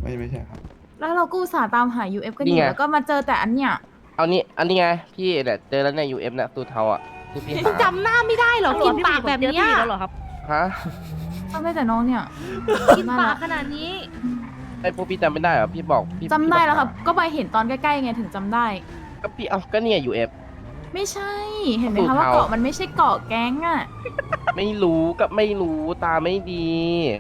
ไม่ใช่ครับแล้วเราก็อุตส่าห์ตามหา UF กันอนี่ยู่ไงแล้วก็มาเจอแต่อันเนี้ยเอานี่อันนี้ไงพี่เนี่ยเจอแล้วใน UF เนี่ยตูเทาอ่ะที่พี่หาจำหน้าไม่ได้เหรอ กินปากแบบเนี้ยแล้วเหรอครับฮะจำได้แต่น้องเนี่ยกินปากขนาดนี้ไอ้พวกพี่จำไม่ได้เหรอพี่บอกพี่จำได้แล้วครับพี่ก็ไปเห็นตอนใกล้ๆไงถึงจำได้ก็พี่เอาก็เนี่ย UF ไม่ใช่ เห็นไหมสูตคะรว่าเทาเกาะมันไม่ใช่เกาะแก๊งอ่ะไม่รู้กับไม่รู้ตาไม่ดี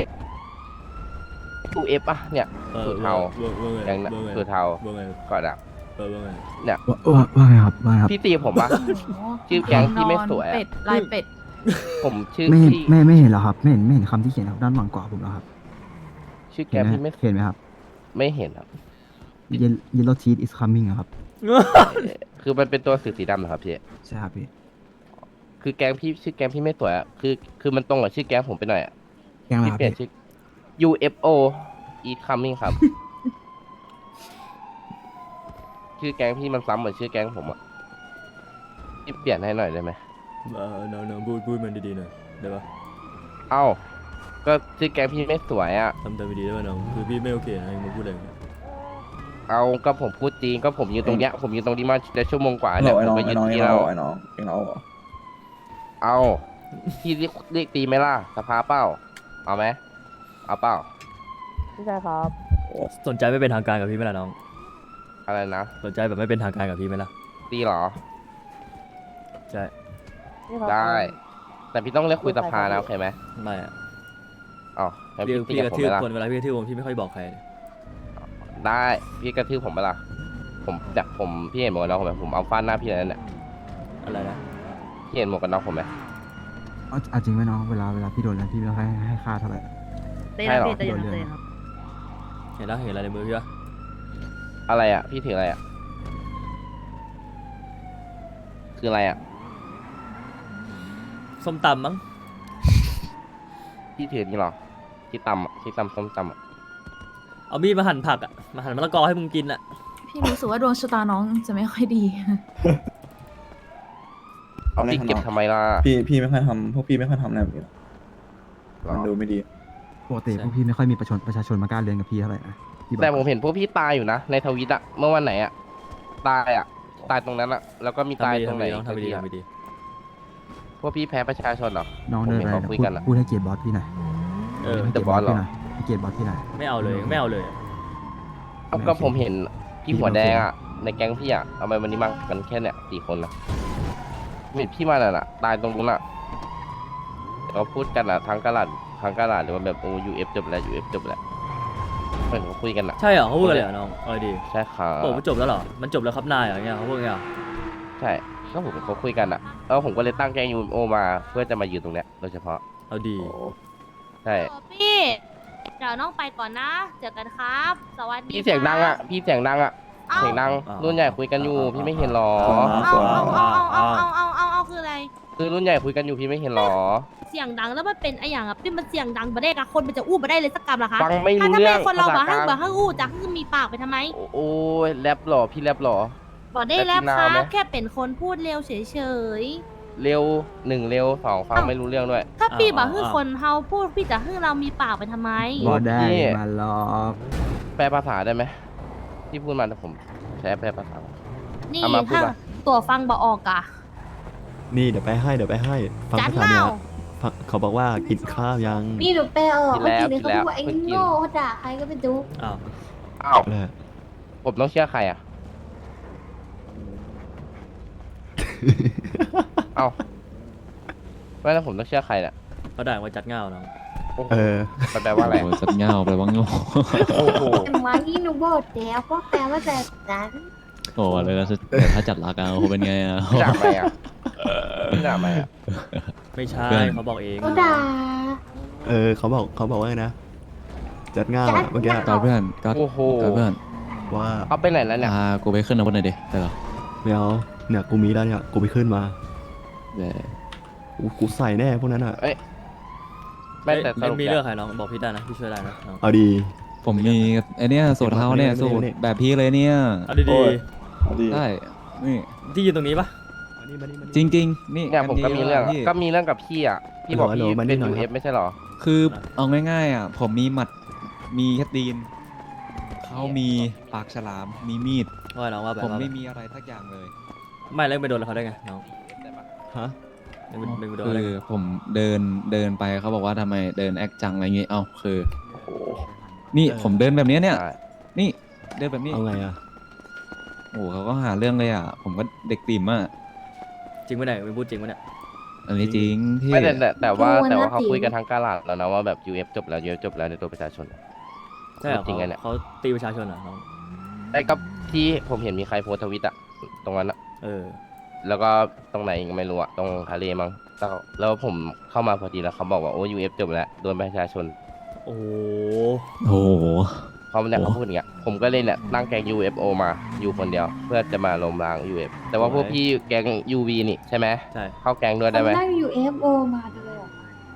ตูเอฟอ่ะเนี่ยสูตรเทาอย่างนั้นสูตรเทาก่อนอ่ะเนี่ยว่าไงครับว่าไงครับพี่ตีผมปะ ชื่อแก๊งที่ไม่สวยอะเป็ดลายเป็ดผมชื่อไม่เห็นพี่ไม่เห็นแล้วครับไม่เห็นคำที่เขียนครับด้านหลังกว่าผมแล้วครับชื่อเห็แก๊นงไหมที่ไม่เห็นไหมครับไม่เห็นครับ Yellow teeth is coming อะครับคือมันเป็นตัวสื่อสีดำเหรอครับพี่ใช่ครับพี่คือแก๊งพี่ชื่อแก๊งพี่ไม่สวยอ่ะคือมันตรงกับชื่อแก๊งผมไปหน่อยอ่ะแกงอะไรพี่ครับเปลี่ยนพี่ชื่อ UFO Eat Coming ครับ ชื่อแก๊งพี่มันซ้ำเหมือนชื่อแก๊งผมอ่ะพี่เปลี่ยนให้หน่อยได้ไหมน้องพูดมันดีๆหน่อยได้ปะเอ้าก็ชื่อแก๊งพี่ไม่สวยอ่ะทำดีๆได้ปะน้องคือพี่ไม่โอเคนะมึงพูดอะไรอย่างเงี้ยเอาก็ผมพูดจริงก็ผมยืนตรงเนี้ยผมยืนตรงนี้มาจะชั่วโมงกว่าไอ้เนี่ยน้องผมไอ้มาน้องยืนไอ้ที่น้องเราไอ้น้องไอ้น้องเหรอเอาพี่เรียกตีไหมล่ะสภาเป้าเอาไหมเอาเป้าไม่ใช่ครับสนใจไม่เป็นทางการกับพี่ไหมล่ะน้องอะไรนะสนใจแบบไม่เป็นทางการกับพี่ไหมล่ะตีเหรอใช่ได้ แต่พี่ต้องเรียกคุยสภานะโอเคไหมไม่อะอ๋องั้นพี่พี่ตีพี่กับกระผมทืไหมบล่ะคนเวลาพี่กระทืบคนพี่ไม่ค่อยบอกใครได้พี่กระทืบผมไปะล่ะผมจากผมพี่เห็นหมวกกันน็อกผมไหมผมเอาฟาดหน้าพี่เลยนั่นแหละอะไรนะพี่เห็นหมวกกันน็อกผมไหมเอาจริงไหมน้องเวลาพี่โดนแล้วพี่ไม่ต้องให้ค่าเท่าไหร่เต้นใช่เหรอเต้นเต้นครับเห็นแล้วเห็นอะไรในมือพี่ปะอะไรอ่ะพี่ถืออะไรอ่ะคืออะไรอ่ะส้มตำมั้งพี่ถือนี่เหรอที่ตำอะที่ตำส้มตำอะเอามีดมาหั่นผักอะมาหั่นมะละกอให้มึงกินอะพี่รู้สึกว่าดวงชะตาน้องจะไม่ค่อยดีเอาพี่เก็บทำไมล่ะพี่ไม่ค่อยทำพวกพี่ไม่ค่อยทำอะไรแบบนี้หรอกหรอมันดูไม่ดีปกติพวกพี่ไม่ค่อยมีประชาชนมากล้าเรียนกับพี่เท่าไหร่นะพี่บอกแต่ผมเห็นพวกพี่ตายอยู่นะในทวิตอะเมื่อวันไหนอะตายอะตายตรงนั้นอะแล้วก็มีตายตรงไหนทำไปดีอีกทำไปดีพวกพี่แพ้ประชาชนเหรอน้องผมเดินเห็นไปเขาคุยกันอะพูดให้เกียรติบอสพี่หน่อยเออให้แต่บอสเหรอให้เกียรติบอสพี่หน่อยไม่เอาเลยไม่เอาเลยเอาก็ผมเห็นพี่หัวแดงอะในแก๊งพี่อะเอาไปวันนี้มากันแค่เนี่ย4 คนนะเห็นพี่มาน่ะตายตรงนู้นอะเขาพูดกันอะทั้งกะหลาดหรือว่าแบบโอ้ UF จบแล้ว UF จบแล้วเหมือนเขาคุยกันอะใช่เหรอเขาพูดอะไรเหรอน้องเอาดีใช่ครับบอกว่าจบแล้วเหรอมันจบแล้วครับนายเหรอเงี้ยเขาพูดไงอ่ะใช่ก็ผมเขาคุยกันอะผมก็เลยตั้งแก๊ง UFO มาเพื่อจะมายืนตรงเนี้ยโดยเฉพาะเอาดีใช่พี่ เดี๋ยวน้องไปก่อนนะ เจอกันครับ สวัสดีพี่เสียงดังอะพี่เสียงดังอะเสียงดังรุ่นใหญ่คุยกันอยู่พี่ไม่เห็นหรอเอาคืออะไรคือรุ่นใหญ่คุยกันอยู่พี่ไม่เห็นหรอเสียงดังแล้วมันเป็นไอ้อย่างอ่ะพี่มันเสียงดังมาได้กับคนมันจะอู้มาได้เลยสักกรรมเหรอคะฟังไม่รู้ถ้าเรื่เป็องนคนเราภาษาบ่กให้ลางบ่ให้อู้จะให้มีปากไปทำไมโอ้ยแรปหรอพี่แรปหรอบอกได้แล้วแต่คพี่นาวไหมรับแค่เป็นคนพูดเร็วเฉยเร็ว1เร็ว2ฟังไม่รู้เรื่องด้วยๆ ถ้าพี่บอกให้คนเฮาพูดพี่จะให้เรามีปากไปทำไมบอสได้พี่มาหลอกแปลภาษาได้ไหมที่พูดมาแต่ผมใช้แปลภาษานี่เอามาพูดถ้ามาตัวฟังบ่ออกอะนี่เดี๋ยวไปให้ฟังจัดภาษาเน่าเหนือฟังเขาบอกว่ากินข้าวยังนี่หนูแปลออกกินเมื่อแล้วกี้นี้เขากินแล้วพูดว่าไอ้เพิ่งกินโง่เขาด่าใครก็ไม่รู้อ้าวอ้าวแหละผมต้องเชื่อใครอ่ะเอ้าไม่แล้วผมต้องเชื่อใครเนี่ยเขาด่าว่าจัดเงาน้องโอ้โหเออมันแปลว่าอะไรสัตว์เงาแปลว่าโง่โอ้โหแต่มาที่หนูบอกแล้วก็แปลว่าแบบนั้นโอ้เลยแล้วถ้าจัดรักเอาเป็นไงอ่ะพี่ด่าไหมอ่ะพี่ด่าไหมอ่ะไม่ใช่เพื่อนเขาบอกเองเขาด่าเออเขาบอกว่าไงนะจัดง่าวอะเมื่อกี้ก็เพื่อนก็โอ้โหเพื่อนว่าเอาไปไหนแล้วเนี่ยพากูไปขึ้นอาวุธหน่อยดิได้เหรอไม่เอาเนี่ยกูมีแล้วเนี่ยกูไปขึ้นมาเดี๋ยวกูใส่แน่พวกนั้นอ่ะไม่แต่สรุปมีนี่เรื่ยองใครน้องบอกพี่ได้นะพี่ช่วยได้นะน้องเอาดีผมมีไอเนี้ยสูตรเท้าเนี่ยไม่ได้สูตรไม่ได้แบบพี่เลยเนี่ยเอาดีเอาดีได้นี่ๆที่ยืนตรงนี้ปะจริง ๆ นี่เนี่ยผมก็มีเรื่องพี่ก็มีเรื่องกับพี่อ่ะพี่บอกพี่ฮัลโหลมานี่เป็นหน่อยครับ UF ไม่ใช่หรอคือเอาง่ายๆอ่ะผมมีหมัดมีแค่ตีนเขามีปากฉลาม มีมีดว่าน้องว่าแบบผมว่าไม่มีอะไรทักอย่างเลยไม่แล้วไปโดนเขาได้ไงน้องฮะไม่ไปโดนคือะไรอผมเดินไปเขาบอกว่าทำไมเดินแอคจังอะไรเงี้ยเอ้าคือ นี่ผมเดินแบบเนี้ยเนี่ยใช่นี่เดินแบบนี้เอาไงอ่ะโอ้โหเขาก็หาเรื่องเลยอ่ะ ผมก็เด็กติ่มอ่ะจริงไหมเนี่ยมึงพูดจริงไหมเนี่ยอันนี้จริงพี่ไม่แต่ว่าโอ้ยแต่ว่าน่าเขาตีคุยกันทั้งกาลาดแล้วนะว่าแบบ UF จบแล้ว UF จบแล้วในตัวประชาชนใช่เหรอจริงไงเนี่ยเขาตีประชาชนเหรอน้องแต่ก็ที่ผมเห็นมีใครโพสต์ทวิตอะตรงนั้นอะเออแล้วก็ตรงไหนอีกไม่รู้อะตรงทะเลมั้งแล้วผมเข้ามาพอดีแล้วเขาบอกว่าโอ้ UF จบแล้วโดนประชาชนโอ้โหโอ้โหเขาเนี่ยเขาพูดอย่างเงี้ยผมก็เลยเนี่ยตั้งแก๊ง UFO มาอยู่คนเดียว เพื่อจะมาล้มล้าง UF แต่ว่าพวกพี่แก๊ง UV นี่ใช่ไหมใช่เข้าแก๊งด้วยได้ไหมเขานั่ง UFO มาด้วยเหรอ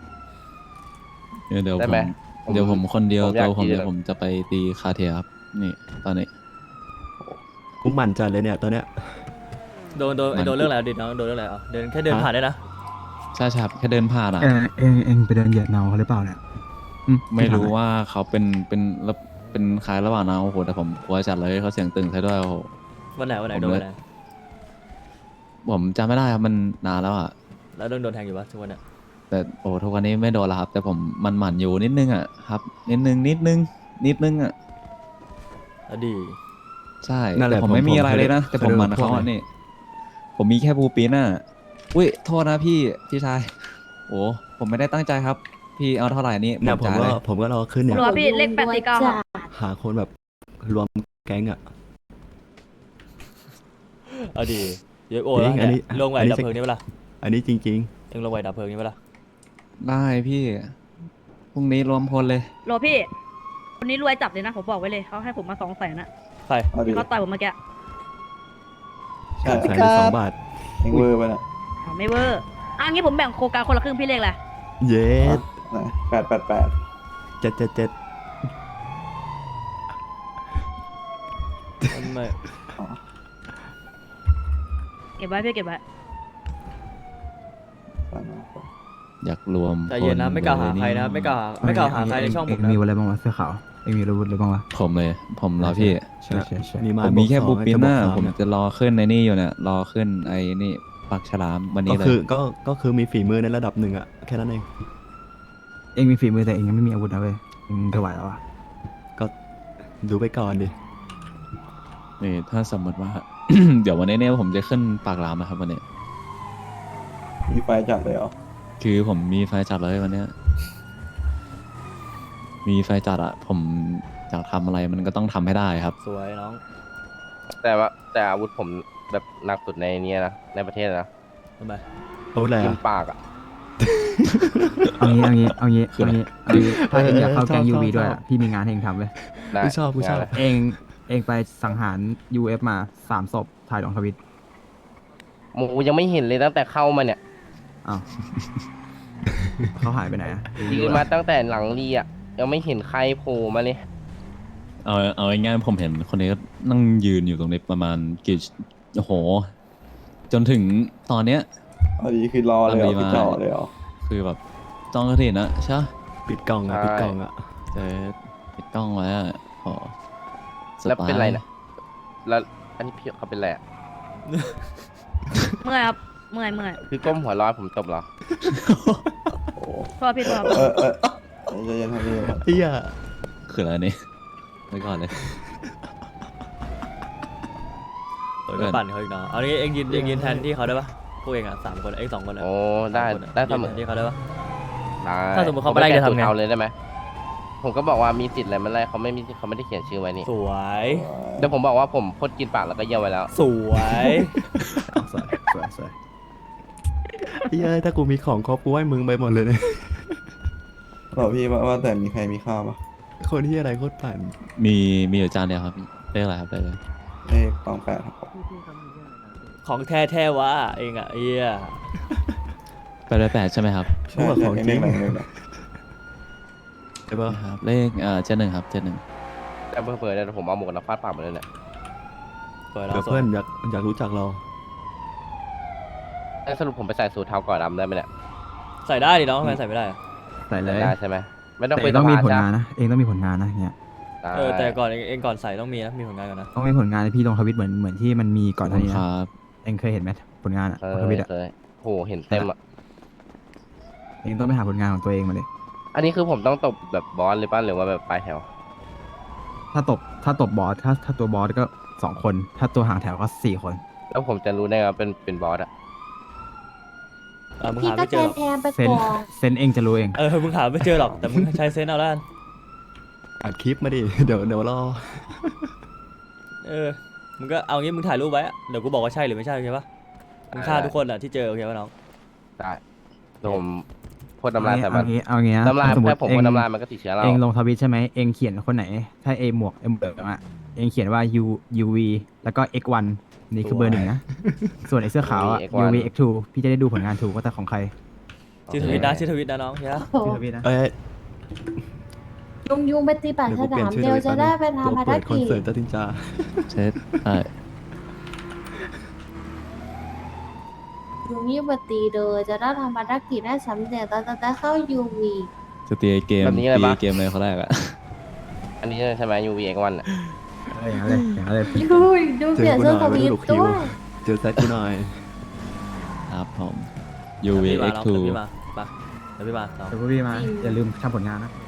เดี๋ยวได้ผไหมมเดี๋ยวผมคนเดียวผมอยากตัวผมตีเดี๋ยวเลยผมจะไปตีคาเทียครับ นี่ตอนนี้กูหมั่นจัดเลยเนี่ยตอนเนี้ยโดนเรื่องอะไรดิน้องโดนเรื่องอะไรเดินแค่เดินผ่านได้นะใช่ครับแค่เดินผ่านอ่ะเองไปเดินเหยียดเนาเขาหรือเปล่าเนี่ยไม่รู้ว่าเขาเป็นคล้ายระหว่างนะโอ้โหแต่ผมกลัวจัดเลยเขาเสียงตึงใช่ด้วยโอ้โหวันไหนผมโดนวันไหนผมจำไม่ได้ครับมันนานแล้วอ่ะแล้วโดนแทงอยู่ปะทุกวันเนี่ยแต่โอ้ทุกวันนี้ไม่โดนแล้วครับ แต่ผมมันหมั่นอยู่นิดนึงอ่ะครับ นิดนึงอ่ะแล้วดีใช่นั่นแหละแต่ผมไม่มีอะไรเลยนะ แต่ผมหมั่นพวเขากอ่ะนี่ ผมมีแค่บูปินอ่ะอุ้ยโทษนะพี่ชายโอ้ผมไม่ได้ตั้งใจครับ พี่เอาเท่าไหร่นี่เนี่ยจ่ายเลยผมก็รอขึ้นเนี่ยหรอพี่เลข849ครับหาคนแบบรวมแก๊งอ่ะเอาดีเยอะโอ้จริงอันนี้ลงไหวอันนี้ดับเพลิงนี่เปะล่าอันนี้จริงเอ็งลงไหวดับเพลิงนี่เปะล่าได้พี่พรุ่งนี้รวมพลเลยหรอพี่คนนี้รวยจับเลยนะผมบอกไว้เลยเขาให้ผมมา200,000นะใครเอาดิเขาต่อยผมเมื่อกี้ใช่ๆ1,200,000 บาทเองเวอร์ไปน่ะอ๋อไม่เวอร์อ่ะงี้ผมแบ่งโครงการคนละครึ่งพี่เลขแหละเย็ด 888 777 ไม่เก็บไว้พี่เก็บไว้อยากรวมใจเย็นนะพลไม่กล่าวหาใครนะเลยไม่กล่าวหาใครในช่องผมเอ็งนะมีอะไรบ้างวะเสื้อขาวเอ็งมีอาวุธอะไรบ้างวะผมเลย ผมรอพี่ใช่ใช่ใช่มีไม้ผมมีแค่บบูวกสองปินจะบวกน่ะสามผมเนี่ยจะรอขึ้นในนี่อยู่เนี่ยรอขึ้นไอ้นี่ปักฉลามวันนี้ก็เลยคือก็คือมีฝีมือในระดับหนึ่งอ่ะแค่นั้นเองเอ็งมีฝีมือแต่เอ็งยังไม่มีอาวุธนะเว้ยเอ็งจะไหวแล้ววะก็ดูไปก่อนดินี่ถ้าสมมติว่า เดี๋ยววันนี้เนี่ยผมจะขึ้นปากหลามนะครับวันนี้มีไฟจัดเลยเหรอคือผมมีไฟจัดเลยวันเนี้ยมีไฟจัดอะผมอยากทำอะไรมันก็ต้องทำให้ได้ครับสวยน้องแต่อาวุธผมแบบหนักสุดในเนี้ยนะในประเทศนะทำไมอาวุธอะไรยิอ่ะงปากอะเอางี้ถ้าเอ็งอยากเข้าแก๊งชอบ UV ชอบด้วยอะพี่มีงานให้เอ็งทำเลยได้กูชอบงานอะไรเอ็งไปสังหาร UF มา3 ศพถ่ายลงทวิตหมูยังไม่เห็นเลยตั้งแต่เข้ามาเนี่ยอ้าว เขาหายไปไหนอะยืนมาตั้งแต่หลังรีอะยังไม่เห็นใครโผล่มาเลยเอาง่ายๆผมเห็นคนนี้ก็นั่งยืนอยู่ตรงนี้ประมาณกี่โอ้โห จนถึงตอนเนี้ยเอาดีคือรอเลยเหรอเอาดีคือมาจ่อเลยเหรอคือแบบจ้องกระถิ่นนะใช่ปะปิดกล่องอ่ะปิดกล่องอ่ะเจอปิดกล้องไว้อะโอ้สแล้วไตล์เป็นไรนะแล้วอันนี้พี่เขาเป็นไรอะเมื่อยครับเมื่อยคือก้มหัวเร้อยผมตบเหรอโอ้โทษพี่โทษใจเย็นครับพี่เฮียคืออะไรนี่ไว้ก่อนเลยเออก็ปั่นเขาอีกเนาะเอางี้เอ็งยืนแทนที่เขาได้ปะพวกเอ็งอ่ะ3 คนเอ็ง2 คนอ่ะโอ้ได้สามคนอะได้เสมยืนอแทนที่เขาได้ปะได้ถ้าสมมุติเขาไม่ไล่จะทำไงผมปแก้สูตรเอาเลยได้ไหมผมก็บอกว่ามีสิทธิ์อะไรไม่ไล่เขาไม่มีสิทธิ์เขาไม่ได้เขียนชื่อไว้นี่สวยเดี๋ยวผมบอกว่าผมพ่นกินปากแล้วก็เยี่ยวไว้แล้วสวยสวยเฮียถ้ากูมีของครบกูให้มึงไปหมดเลยเนี่ยบอกพี่ว่าแต่มีใครมีข้าวปะคนที่อะไรโคตรปั่นมีอยู่จานเดียวครับเรียกอะไรครับได้เลยเลข28ครับของแท้วะเอ็งอ่ะเอี้ย 888ใช่ไหมครับใช่ใช่เลขอะไรเลขอะไรใช่ปะครับเลข71ครับ71 แต่เผื่อๆเนี่ยผมเอาหมวกกันน็อกฟาดปากมาเลยเนี่ยเปิดเดี๋ยวเราสเพื่วอย นอยากรู้จักเรางั้นสรุปผมไปใส่สูทเทาก่อนดำได้ไหมเนี่ยใส่ได้ดิน้องทำไมใส่ไม่ได้อะใส่เลยได้ใช่ไหมไม่ต้องแต่คุเอ็ยงต้องมีผลจ้ะงานนะเอ็งต้องมีผลงานนะเนี่ยได้แต่ก่อนเองก่อนใส่ต้องมีนะมีผลงานก่อนนะต้องมีผลงานที่พี่ลงทวิตเหมือนที่มันมีก่อนหน้านี้คนะรับเองเคยเห็นไหมผลงานอะเคทวิตยอะเคยโหเห็นเต็มอ่ะเองต้องไปหาผลงานของตัวเองมาเลยอันนี้คือผมต้องตบแบบบอสเลยป่ะหรือว่าแบบปลายแถวถ้าตบบอสถ้าตัวบอสก็2 คน ถ้าตัวห่างแถวก็4 คนแล้วผมจะรู้ได้ไงว่าเป็นบอสอ่ะมึงพี่หาก็ไม่เจแทอน หรอกแทนไปเซนก่อนเซนเองจะรู้เองมึงหาไม่เจอหรอกแต่มึงใช้เซนส์เอาแล้วกันอัดคลิปมาดิ เดี๋ยวรอมึงก็เอางี้มึงถ่ายรูปไว้อะเดี๋ยวกูบอกว่าใช่หรือไม่ใช่โอเคปะมึงฆ่าทุกคนอ่ะที่เจอโอเคปะน้องได้เดี๋ยวผมพ่นน้ำลายใส่มันเอางี้นะน้ำลายสมมแค่ติผมเองพ่นน้ำลายมันก็ติดเชื้อเราเองลงทวิตใช่ไหมเองเขียนคนไหน ถ้าหมวกเหลืองอะเองเขียนว่า UV แล้วก็ X1 นี่คือเบอร์ 1นะ ส่วนไอ้เสื้อขาวอะ UV X2 พี่จะได้ดูผลงานถูกว่าแต่ของใครชื่อทวิตนะน้องเฮียโอ้โหพี่ทวิตนะเอ้ยยุงไปตีปากเดี๋ยวฉกูเปลี่ลาย มนชื่อเดียวทวิตจะแป๊บได้นึงไปทำภารตัวเปิดคอนกิจเสิร์ตจตินจาเช็ดใช่ยุงยิ่งไปตีเลยจะได้ทำภารกิจได้สำเร็จเราจะได้เข้า UV จะตีเกมแบบนี้เลยตีปะเกมเลยเขาแรกอะอันนี้ใช่ไหม UVX1 อ่ะอย่างนั้นเลยอย่างนั้นเลยดูเปลี่ยนเสื้อทวิตด้วยเจอแซดกูหน่อยครับผมเดี๋ยวพี่มาน้อง UVX2 เดี๋ยวพี่มาน้องเดี๋ยวพี่มาอย่าลืมทำผลงานนะ